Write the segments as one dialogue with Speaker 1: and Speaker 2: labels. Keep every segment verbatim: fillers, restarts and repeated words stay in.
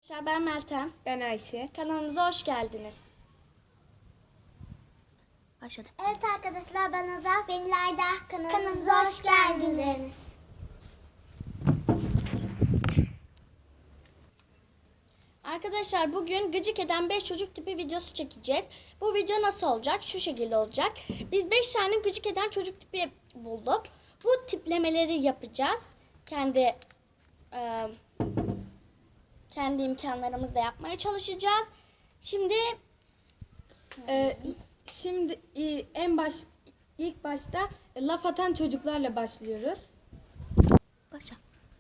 Speaker 1: Ben Meltem.
Speaker 2: Ben Ayşe.
Speaker 1: Kanalımıza hoş geldiniz. Başladı.
Speaker 3: Evet arkadaşlar, ben Azal. Ben İlayda. Kanalımıza hoş geldiniz.
Speaker 1: Arkadaşlar bugün gıcık eden beş çocuk tipi videosu çekeceğiz. Bu video nasıl olacak? Şu şekilde olacak. Biz beş tane gıcık eden çocuk tipi bulduk. Bu tiplemeleri yapacağız. Kendi e, kendi imkanlarımızla yapmaya çalışacağız. Şimdi
Speaker 2: Ee, şimdi e, en baş ilk başta e, laf atan çocuklarla başlıyoruz.
Speaker 1: başla.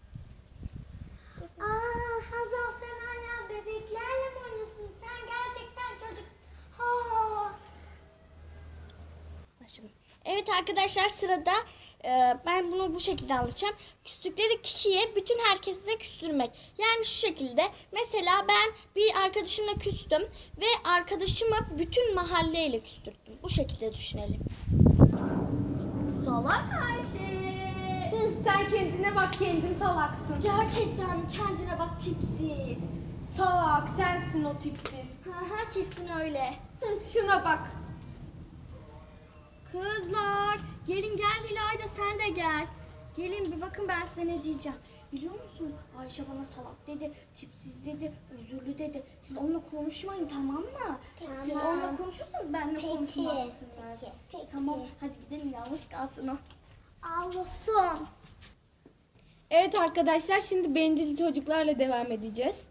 Speaker 3: Aa, Hazal, sen hala bebeklerle mi oynuyorsun? Sen gerçekten çocuk. Ha.
Speaker 1: Başlayalım. Evet arkadaşlar, sırada e, ben bunu bu şekilde anlatacağım. Küstükleri kişiye bütün herkese küstürmek. Yani şu şekilde, mesela ben bir arkadaşımla küstüm ve arkadaşımı bütün mahalleyle küstürdüm. Bu şekilde düşünelim. Salak Ayşe.
Speaker 2: Sen kendine bak, kendin salaksın.
Speaker 1: Gerçekten kendine bak, tipsiz.
Speaker 2: Salak sensin o tipsiz.
Speaker 1: Haha, kesin öyle.
Speaker 2: Hı, şuna bak.
Speaker 1: Kızlar gelin, gel İlayda, sen de gel. Gelin bir bakın, ben size ne diyeceğim. Biliyor musunuz? Ayşe bana salak dedi, tipsiz dedi, özürlü dedi. Siz onunla konuşmayın, tamam mı?
Speaker 3: Tamam.
Speaker 1: Siz onunla konuşursanız benimle
Speaker 3: Peki,
Speaker 1: konuşmazsınız.
Speaker 3: peki, peki.
Speaker 1: Tamam, hadi gidelim, yalnız kalsın o.
Speaker 3: Ağlasın.
Speaker 2: Evet arkadaşlar, şimdi bencil çocuklarla devam edeceğiz.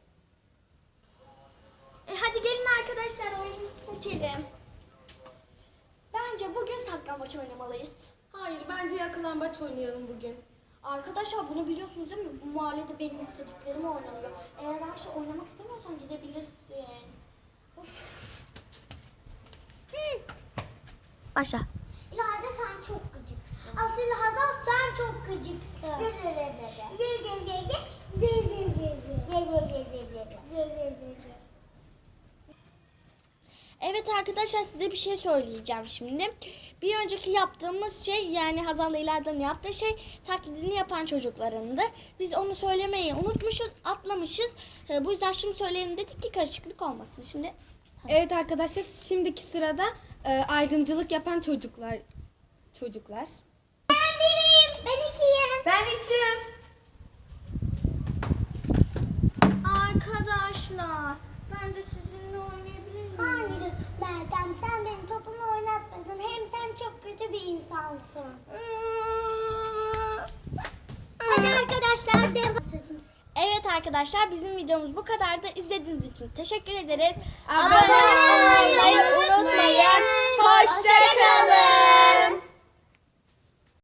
Speaker 1: E hadi gelin arkadaşlar, oyunu seçelim. Bence bugün saklambaç oynamalıyız.
Speaker 2: Hayır, bence yakalambaç oynayalım bugün.
Speaker 1: Arkadaşlar bunu biliyorsunuz değil mi? Bu mahallede benim istediklerim oynanıyor. Eğer Ayşe oynamak istemiyorsan gidebilirsin. Of. Başla.
Speaker 3: İlayda, sen çok gıcıksın. Aslında Hazal, sen çok gıcıksın.
Speaker 1: Evet arkadaşlar, size bir şey söyleyeceğim şimdi. Bir önceki yaptığımız şey, yani Hazal'la İlayda'nın yaptığı şey, taklidini yapan çocuklarındı. Biz onu söylemeyi unutmuşuz, atlamışız. Ee, Bu yüzden şimdi söyleyelim dedik ki karışıklık olmasın. Şimdi
Speaker 2: Evet arkadaşlar, şimdiki sırada e, ayrımcılık yapan çocuklar. Çocuklar.
Speaker 3: Ben biriyim. Ben ikiyim.
Speaker 2: Ben üçüm.
Speaker 1: arkadaşlar, ben de sizinle oynayabilir miyim?
Speaker 3: Hayır Meltem, sen benim topumu oynatmadın. Hem sen çok kötü bir insansın. Hadi arkadaşlar, devam.
Speaker 1: Evet arkadaşlar, bizim videomuz bu kadardı. İzlediğiniz için teşekkür ederiz.
Speaker 2: Abone olmayı